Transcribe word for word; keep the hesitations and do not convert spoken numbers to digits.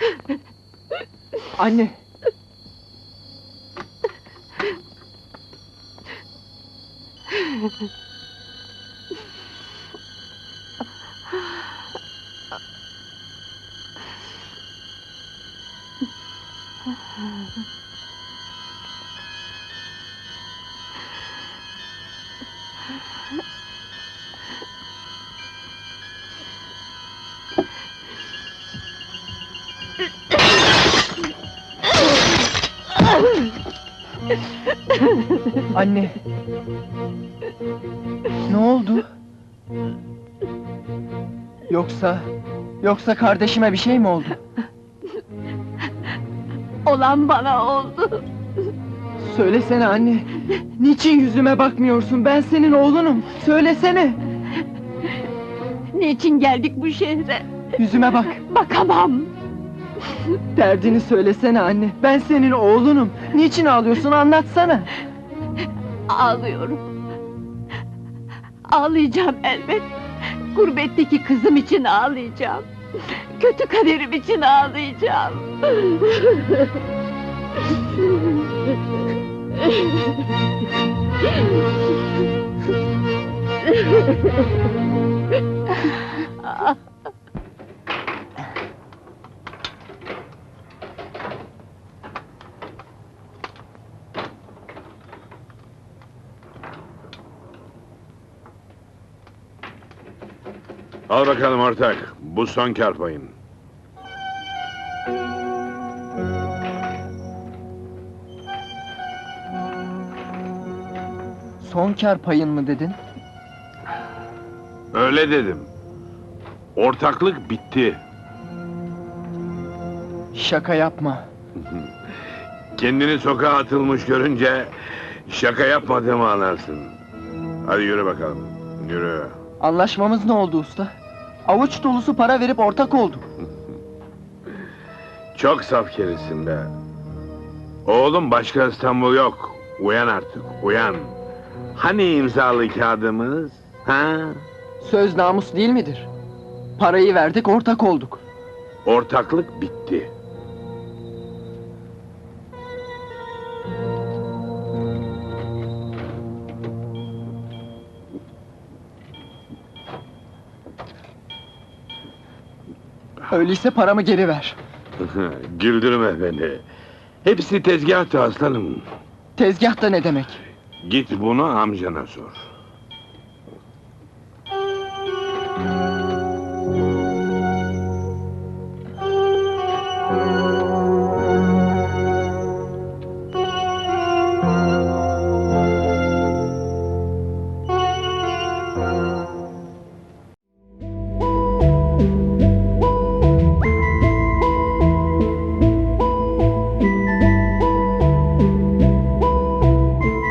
Anne! Anne! Ne oldu? Yoksa... Yoksa kardeşime bir şey mi oldu? Olan bana oldu. Söylesene anne! Niçin yüzüme bakmıyorsun? Ben senin oğlunum! Söylesene! Niçin geldik bu şehre? Yüzüme bak! Bakamam. Derdini söylesene anne! Ben senin oğlunum! Niçin ağlıyorsun? Anlatsana! Ağlıyorum. Ağlayacağım elbet. Gurbetteki kızım için ağlayacağım. Kötü kaderim için ağlayacağım. Al bakalım ortak, bu son kâr payın. Son kâr payın mı dedin? Öyle dedim. Ortaklık bitti. Şaka yapma! Kendini sokağa atılmış görünce şaka yapmadığımı anlarsın. Hadi yürü bakalım, yürü. Anlaşmamız ne oldu usta? Avuç dolusu para verip ortak olduk. Çok saf kerisin be. Oğlum, başka İstanbul yok. Uyan artık, uyan. Hani imzalı kağıdımız? Ha? Söz namus değil midir? Parayı verdik, ortak olduk. Ortaklık bitti. Öyleyse paramı geri ver. Güldürme beni. Hepsi tezgahtı aslanım. Tezgahta ne demek? Git bunu amcana sor.